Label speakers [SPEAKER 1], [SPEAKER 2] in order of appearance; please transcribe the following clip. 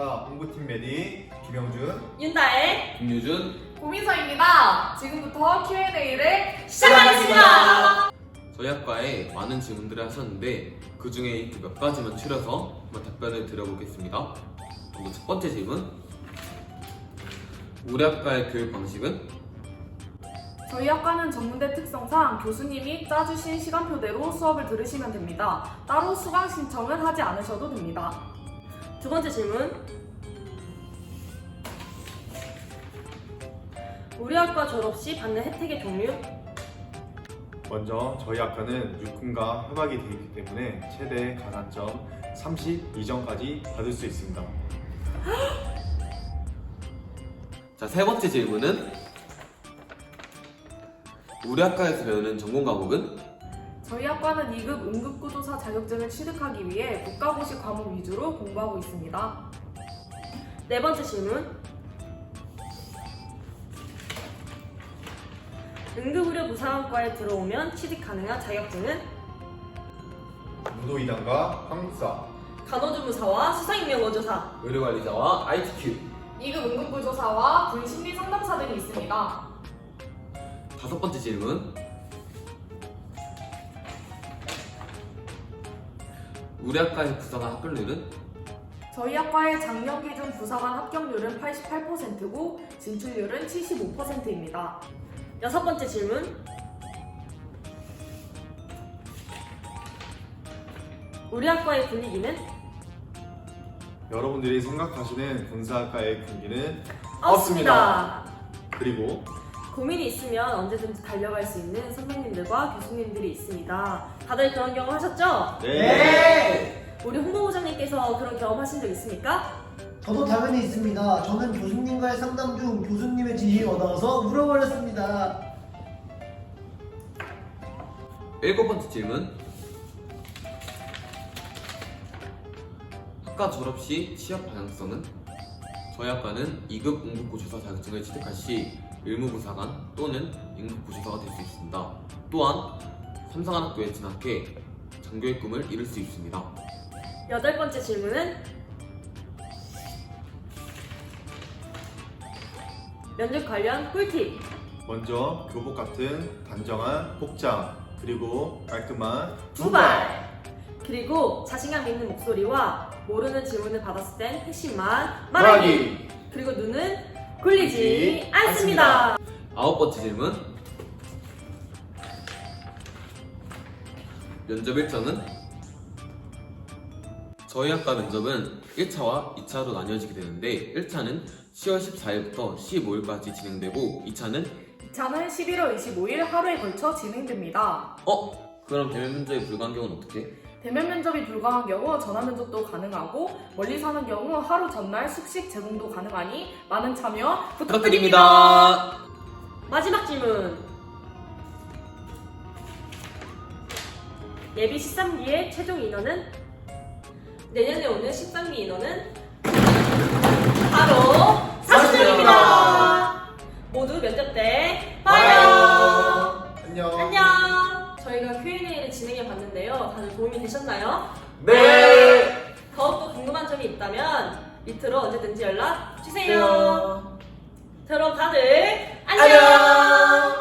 [SPEAKER 1] 저희학과 홍보팀 메디 김영준,
[SPEAKER 2] 윤다혜,
[SPEAKER 3] 김유준.
[SPEAKER 4] 고민서입니다. 지금부터 Q&A를
[SPEAKER 2] 시작하겠습니다.
[SPEAKER 3] 저희 학과에 많은 질문들을 하셨는데 그 중에 몇 가지만 추려서 한번 답변을 드려보겠습니다. 먼저 첫 번째 질문. 우리 학과의 교육 방식은?
[SPEAKER 4] 저희 학과는 전문대 특성상 교수님이 짜주신 시간표대로 수업을 들으시면 됩니다. 따로 수강 신청은 하지 않으셔도 됩니다.
[SPEAKER 2] 두 번째 질문. 우리 학과 졸업 시 받는 혜택의 종류?
[SPEAKER 1] 먼저 저희 학과는 육군과 협약이 되어 있기 때문에 최대 가산점 32점까지 받을 수 있습니다.
[SPEAKER 3] 자, 세 번째 질문은 우리 학과에서 배우는 전공 과목은?
[SPEAKER 4] 저희 학과는 2급 응급구조사 자격증을 취득하기 위해 국가고시 과목 위주로 공부하고 있습니다.
[SPEAKER 2] 네 번째 질문. 응급의료 부사관과에 들어오면 취득 가능한 자격증은?
[SPEAKER 1] 무도이단과 한국사,
[SPEAKER 2] 간호조무사와 수사인명원조사,
[SPEAKER 3] 의료관리사와 ITQ.
[SPEAKER 4] 2급 응급구조사와 분심리상담사 등이 있습니다.
[SPEAKER 3] 다섯 번째 질문. 우리 학과의 부사관 합격률은?
[SPEAKER 4] 저희 학과의 작년 기준 부사관 합격률은 88%고 진출률은 75%입니다.
[SPEAKER 2] 여섯 번째 질문. 우리 학과의 분위기는?
[SPEAKER 1] 여러분들이 생각하시는 군사학과의 군기는
[SPEAKER 2] 없습니다.
[SPEAKER 1] 그리고
[SPEAKER 2] 고민이 있으면 언제든지 달려갈 수 있는 선배님들과 교수님들이 있습니다. 다들 그런 경험 하셨죠?
[SPEAKER 1] 네!
[SPEAKER 2] 우리 홍보부장님께서 그런 경험 하신 적 있습니까?
[SPEAKER 5] 저도 당연히 있습니다. 저는 교수님과의 상담 중 교수님의 지시를 얻어서 울어버렸습니다.
[SPEAKER 3] 일곱 번째 질문. 학과 졸업 시 취업 방향성은? 저희 학과는 2급 응급구조사 자격증을 취득할 시 의무부사관 또는 응급구조사가 될 수 있습니다. 또한 삼성한학교에 진학해 장교의 꿈을 이룰 수 있습니다.
[SPEAKER 2] 여덟 번째 질문은 면접 관련 꿀팁.
[SPEAKER 1] 먼저 교복 같은 단정한 복장, 그리고 깔끔한
[SPEAKER 2] 두발. 그리고 자신감 있는 목소리와 모르는 질문을 받았을 땐 핵심만 말하기. 그리고 눈은 굴리지 않습니다.
[SPEAKER 3] 아홉 번째 질문. 면접 일정은? 저희 학과 면접은 1차와 2차로 나뉘어지게 되는데 1차는 10월 14일부터 15일까지 진행되고 2차는
[SPEAKER 4] 2차는 11월 25일 하루에 걸쳐 진행됩니다.
[SPEAKER 3] 그럼 대면 면접이 불가한 경우는 어떻게?
[SPEAKER 4] 대면 면접이 불가한 경우 전화 면접도 가능하고 멀리 사는 경우 하루 전날 숙식 제공도 가능하니 많은 참여 부탁드립니다.
[SPEAKER 3] 부탁드립니다.
[SPEAKER 2] 마지막 질문. 예비 13기의 최종 인원은? 내년에 오는 13기 인원은 바로 40명입니다. 모두 면접 때 봐요.
[SPEAKER 1] 안녕.
[SPEAKER 2] 안녕. 저희가 Q&A를 진행해 봤는데요. 다들 도움이 되셨나요?
[SPEAKER 3] 네.
[SPEAKER 2] 더욱더 궁금한 점이 있다면 밑으로 언제든지 연락 주세요. 그럼 다들 안녕.